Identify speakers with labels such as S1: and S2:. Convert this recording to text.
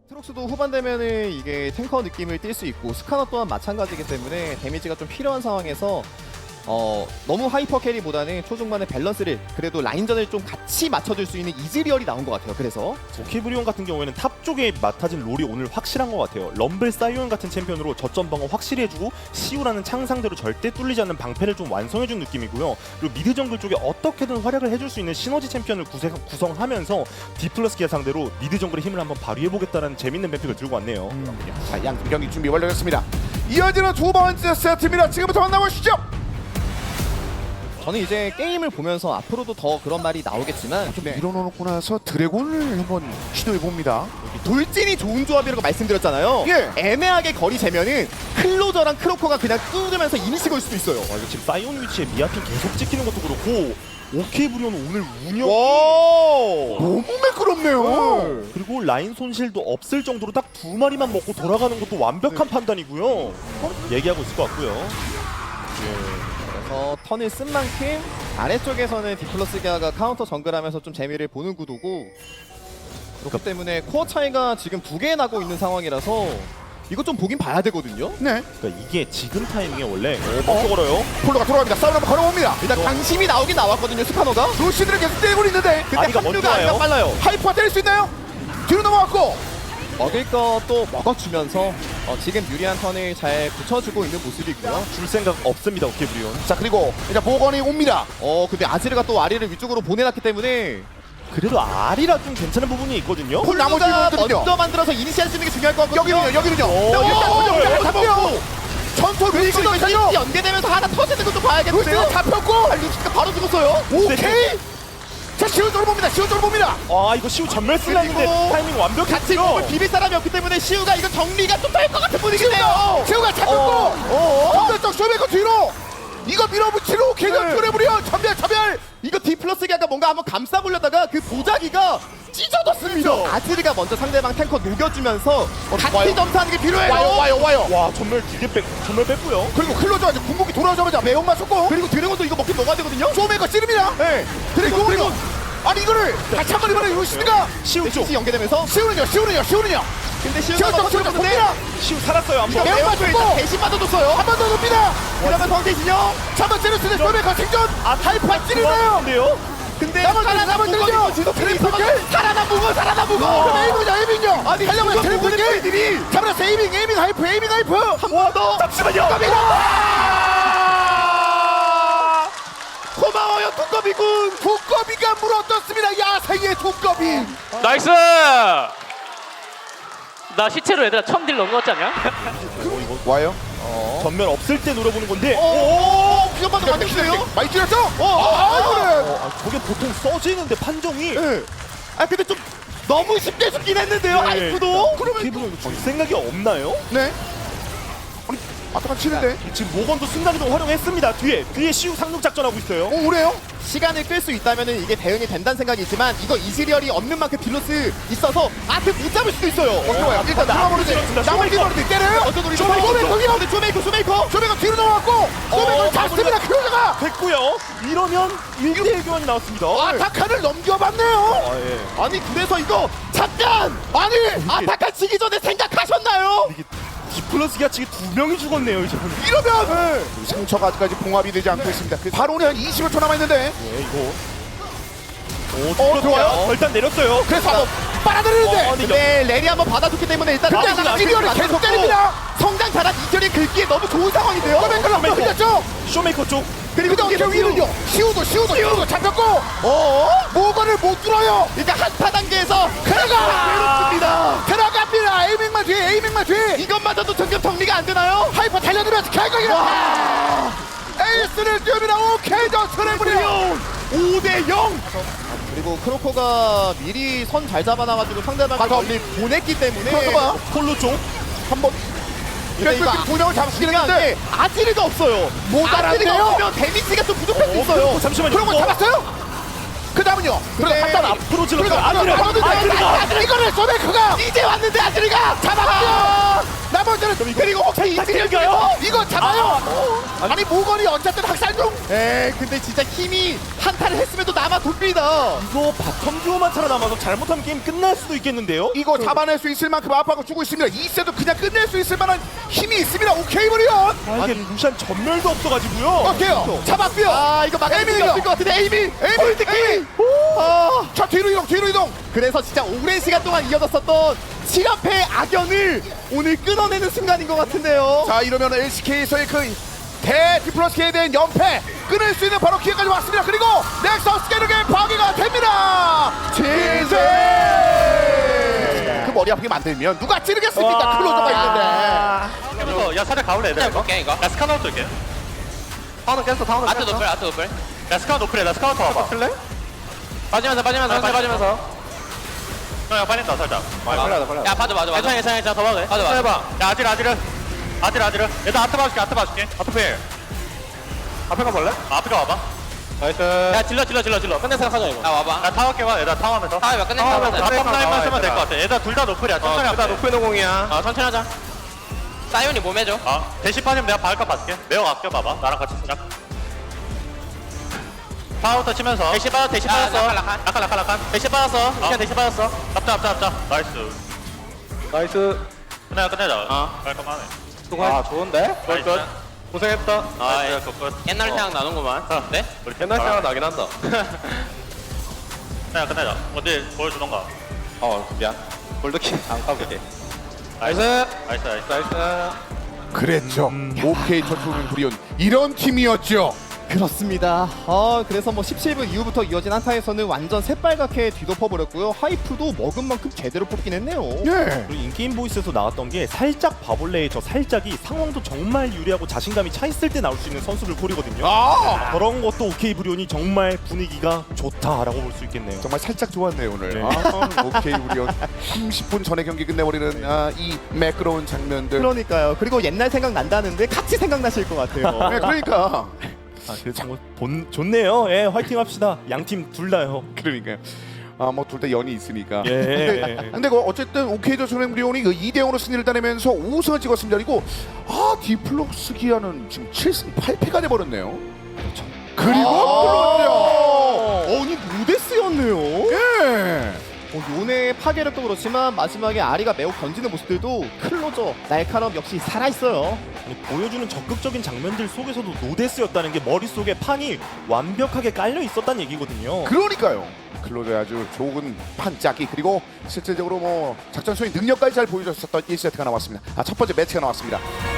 S1: 트록스도 후반 되면은 이게 탱커 느낌을 띌 수 있고 스카너 또한 마찬가지이기 때문에 데미지가 좀 필요한 상황에서 너무 하이퍼 캐리보다는 초중반의 밸런스를 그래도 라인전을 좀 같이 맞춰줄 수 있는 이즈리얼이 나온 것 같아요. 그래서
S2: 오케브리온 같은 경우에는 탑 쪽에 맡아진 롤이 오늘 확실한 것 같아요. 럼블 사이온 같은 챔피언으로 저점 방어 확실히 해주고 시우라는 창상대로 절대 뚫리지 않는 방패를 좀 완성해준 느낌이고요. 그리고 미드 정글 쪽에 어떻게든 활약을 해줄 수 있는 시너지 챔피언을 구성하면서 디플러스기아 상대로 미드 정글의 힘을 한번 발휘해보겠다는 재밌는 뱀픽을 들고 왔네요.
S3: 자, 양팀 경기 준비 완료됐습니다. 이어지는 두 번째 세트입니다. 지금부터 만나보시죠.
S1: 저는 이제 게임을 보면서 앞으로도 더 그런 말이 나오겠지만
S3: 좀 밀어놓고 나서 드래곤을 한번 시도해봅니다.
S1: 돌진이 좋은 조합이라고 말씀드렸잖아요.
S3: 예.
S1: 애매하게 거리 재면은 클로저랑 크로커가 그냥 뚫으면서 이니시 걸 수도 있어요.
S2: 와, 이거 지금 사이온 위치에 미아핀 계속 찍히는 것도 그렇고 오케브리온은 오늘 운영
S3: 너무 매끄럽네요.
S2: 그리고 라인 손실도 없을 정도로 딱 두 마리만 먹고 돌아가는 것도 완벽한 판단이고요. 얘기하고 있을 것 같고요.
S1: 턴을 쓴 만큼 아래쪽에서는 디플러스기아가 카운터 정글하면서 좀 재미를 보는 구도고 그렇기 때문에 코어 차이가 지금 2개 나고 있는 상황이라서 이거 좀 보긴 봐야 되거든요.
S3: 네.
S2: 그러니까 이게 지금 타이밍에 원래 먼저 걸어요.
S3: 폴로가 돌아갑니다. 싸움 한번 걸어봅니다.
S1: 일단 강심이 나오긴 나왔거든요. 스카노가.
S3: 루시드를 계속 때리고 있는데
S1: 근데
S2: 아리가 먼저
S1: 합류가 아니라
S2: 와요.
S1: 빨라요.
S3: 하이퍼 때릴 수 있나요? 뒤로 넘어갔고
S1: 먹을 거 또 먹어주면서 지금 유리한 턴을 잘 붙여주고 있는 모습이고요.
S2: 줄 생각 없습니다, 오케브리온.
S3: 자, 그리고 이제 보건이 옵니다.
S1: 근데 아지르가 또 아리를 위쪽으로 보내놨기 때문에
S2: 그래도 아리라 좀 괜찮은 부분이 있거든요.
S3: 폴 나머지
S1: 폴루가
S3: 부분들은요?
S1: 먼저 만들어서 이니시할 수 있는 게 중요할 것 같거든요.
S3: 여기는요.
S1: 일단
S3: 잡혔고 전투 루시도
S1: 루시가
S3: 있어요.
S1: 연계되면서 하나 터지는 것도 봐야겠는데요.
S3: 루시도 잡혔고
S1: 루시가 바로 죽었어요.
S3: 오케이. 자, 시우조를 봅니다. 시우조를 봅니다.
S2: 아, 이거 시우 전멸 쓰려는데
S1: 그리고
S2: 타이밍 완벽했죠.
S1: 같이 몸을 비빌 사람이 없기 때문에 시우가 이거 정리가 좀 될 것 같은 분위기네요.
S3: 시우가 잡혔고 전멸적 쇼메이커 뒤로 이거 밀어붙이로 개전
S1: 네.
S3: 쪼려부려 전멸.
S1: 이거 디플러스기아가 뭔가 한번 감싸보려다가 그 보자기가 찢어졌습니다. 아지르가 먼저 상대방 탱커 녹여주면서 같이
S3: 와요.
S1: 점사하는 게 필요해요.
S3: 와요.
S2: 와, 전멸 뺐고요.
S3: 그리고 클로저가 이제 궁극기 돌아오자마자 매운 맞췄고
S1: 그리고 드래곤도 이거 먹긴 먹어야 되거든요.
S3: 쇼메이커 찌릅니다.
S1: 네.
S3: 그리고 아니 이거를 다시 한번 이번에 루시드가
S2: 시우 쪽.
S1: 연계되면서
S3: 시우는요.
S1: 근데
S3: 시우
S1: 시우가
S3: 쪽
S1: 먹었는데
S3: 봅니다.
S2: 시우 살았어요, 한 번.
S3: 매운
S1: 매운
S3: 맞췄고
S1: 일단 대신 맞아줬어요.
S3: 한 번 더 눕니다.
S1: 그러면 성대진영.
S3: 잡아 찌르스는 쇼메이커 생존. 하이파 찌르나요?
S2: 근데요?
S1: 근데
S3: 남은 들죠.
S1: 살아나무고.
S3: 그럼 에이밍요.
S1: 아니
S3: 달려보자.
S1: 이거
S3: 드래곤이 잡았어. 에이밍 하이프.
S1: 한 번 더.
S2: 잠시만요.
S1: 고마워요 두꺼비군.
S3: 두꺼비가 물어떴습니다. 야생의 두꺼비.
S4: 나이스! 나 시체로 얘들아 처음 딜 넣은 거 같지 않냐?
S3: 와요?
S2: 전멸 없을 때 노려보는 건데.
S1: 오, 비전받도 만들어요?
S3: 많이 찔렀죠?
S2: 저게 보통 써지는데 판정이.
S1: 근데 좀 너무 쉽게 죽긴 했는데요. 아이쿠도.
S2: 그러면 줄 생각이 없나요?
S3: 네. 아니, 아까만 치는데.
S2: 지금 모건도 순간이동 활용했습니다. 뒤에 시우 상륙 작전하고 있어요.
S3: 오래요?
S1: 시간을 끌 수 있다면은 이게 대응이 된다는 생각이 있지만 이거 이즈리얼이 없는 만큼 딜로스 있어서 못 잡을 수도 있어요.
S3: 좋아요. 일단 들어가버리지. 나머지 버리지 때려요.
S1: 어떤 우리
S3: 쇼메이커 뒤로 넘어갔고 쇼메이커를 잡습니다. 클로저가.
S2: 됐고요. 이러면 1대1 교환이 나왔습니다.
S3: 아타칸을 넘겨봤네요.
S2: 아, 예.
S1: 아니 그래서 이거 잠깐
S3: 아니
S1: 아타카 치기 전에 생각하셨나요?
S2: 디플러스기아 측에 2명이 죽었네요, 이제.
S3: 이러면 상처가 아직까지 봉합이 되지 않고 있습니다. 바로는 한 20여 초 남아있는데
S2: 예, 이거. 오,
S3: 좋아요.
S2: 일단 내렸어요.
S3: 그래서 한번 빨아들이는데
S1: 근데 렐이 한번 받아줬기 때문에 일단
S3: 근데
S1: 나머지는
S3: 이즈리얼이
S1: 앞에서
S3: 계속
S1: 맞췄고
S3: 때립니다.
S1: 성장 잘한 이즈리얼이 긁기에 너무 좋은 상황인데요.
S3: 쇼메이커를 한번 흘렸죠.
S2: 쇼메이커 쪽.
S3: 그리고 어떻게 위는요. 시우도 잡혔고 모건을 못 뚫어요.
S1: 일단 한타 단계에서
S3: 들어갑니다. 에이밍만 뒤에
S1: 이것마저도 점점 정리가 안 되나요?
S3: 하이퍼 달려들면서 결국에 에이스를 띄웁니다. 오케이 저 트래블이요.
S1: 5대0. 그리고 크로커가 미리 선 잘 잡아놔가지고 상대방을 멀리 보냈기 때문에
S3: 잠깐만.
S2: 폴로 쪽.
S3: 한번
S1: 근데 이거
S3: 두 명을 잡으시긴
S1: 중요한
S3: 했는데
S1: 게 아지르가 없어요.
S3: 모자란데요?
S1: 아지르가 없으면 데미지가 좀 부족할 수 있어요.
S2: 잠시만요.
S3: 그런 거 잡았어요? 그 다음은요.
S1: 근데
S3: 갔다가
S2: 앞으로 질렀어요.
S3: 아지르가 이거를 쇼메이커가
S1: 이제 왔는데 아지르가
S3: 잡았고 나머지는 그리고 혹시
S2: 이tilga요?
S3: 이거 잡아요. 아니 모건이 어쨌든 학살 중.
S1: 에 근데 진짜 힘이 한타를 했음에도 남아 돕니다.
S2: 이거 바텀 듀오만 살아남아서 잘못하면 게임 끝날 수도 있겠는데요?
S3: 이거 잡아낼 수 있을 만큼 압박을 주고 있습니다. 2세도 그냥 끝낼 수 있을 만한 힘이 있습니다. 오케이 브리온.
S2: 아, 이게 루시안 전멸도 없어가지고요.
S3: 어때요? 잡았고요.
S1: 아 이거 막을 수 없을 것 같은데 에이미.
S3: 에이미.
S1: 아
S3: 자 뒤로 이동.
S1: 그래서 진짜 오랜 시간 동안 이어졌었던 7연패의 악연을 오늘 끊어내는 순간인 것 같은데요.
S3: 자 이러면 LCK에서의 그 대디플러스에 대한 연패 끊을 수 있는 바로 기회까지 왔습니다. 그리고 넥서스 게르게 파괴가 됩니다. 제제 그 머리 아프게 만들면 누가 찌르겠습니까? 클로저가 있는데.
S5: 야 살짝 가볼래 얘들아 이거? 이거? 야 스카노트 올게 타운은 깼어 타운은 깼어 아트 노플 야 스카노 노플해 나 스카노트 와봐 틀래? 빠지면서 야 빠진다 살짝 빨리
S4: 야 봐줘 괜찮아 더 막을 봐줘
S5: 해봐 야 아지르 얘들 아트 봐줄게 아트 필 앞에 가볼래? 앞에 가봐봐 나이스
S4: 야 질러 끝내 생각하자 이거 야 와봐
S5: 야 타워 깨봐 얘들아 타워 하면서
S4: 아 끝내 생각하자
S5: 바텀 라인만 쓰면 될 것 같아 얘들아 둘 다 노플이야 천천히 하면 돼
S4: 노플 노공이야 천천히 하자 사이온이 몸 해줘
S5: 대시 빠지면 내가 바을까 봐줄게 내가 아껴봐봐 나랑 같이 시작 파우터 치면서
S4: 대시 빠졌어
S5: 라칸
S4: 대시 빠졌어 그냥 대시 빠졌어
S5: 잡자 나이스 끝내자 깔끔하네
S4: 좋은데?
S5: 굿 고생했다
S4: 나이스
S5: 굿
S4: 옛날 생각 나는구만 네?
S5: 우리 옛날 생각 나긴 한다 끝내자 어디 보여주던가
S4: 미안 골드킥 안 까볼게
S5: 나이스
S3: 그랬죠. 오케이 저축은 브리온 이런 팀이었죠.
S1: 그렇습니다. 그래서 뭐 17분 이후부터 이어진 한타에서는 완전 새빨갛게 뒤덮어버렸고요. 하이프도 먹은 만큼 제대로 뽑긴 했네요.
S3: 예.
S2: 그리고 인게임 보이스에서 나왔던 게 살짝 바볼레의 저 살짝이 상황도 정말 유리하고 자신감이 차 있을 때 나올 수 있는 선수를 고리거든요.
S3: 아
S2: 그런 것도 오케이 브리온이 정말 분위기가 좋다라고 볼 수 있겠네요.
S3: 정말 살짝 좋았네요 오늘.
S2: 네.
S3: 오케이 브리온 30분 전에 경기 끝내버리는 이 매끄러운 장면들.
S1: 그러니까요. 그리고 옛날 생각 난다는데 같이 생각나실 것 같아요.
S3: 네, 그러니까.
S2: 그래서 뭐 좋네요. 예, 화이팅 합시다. 양 팀 둘 다요.
S3: 그러니까요. 뭐 둘 다 연이 있으니까.
S2: 예.
S3: 근데 어쨌든 오케이 저축은 브리온이 그 2대0으로 승리를 따내면서 5승을 찍었습니다. 그리고 디플록스 기아는 지금 7승 8패가 돼버렸네요. 그리고
S1: 아니 무데스였네요.
S3: 예.
S1: 요네의 파괴력도 그렇지만 마지막에 아리가 매우 견지는 모습들도 클로저 날카로움 역시 살아있어요.
S2: 아니, 보여주는 적극적인 장면들 속에서도 노데스였다는 게 머릿속에 판이 완벽하게 깔려 있었다는 얘기거든요.
S3: 그러니까요. 클로저의 아주 좋은 판짜기 그리고 실질적으로 뭐 작전 수행 능력까지 잘 보여줬었던 1세트가 나왔습니다. 첫 번째 매치가 나왔습니다.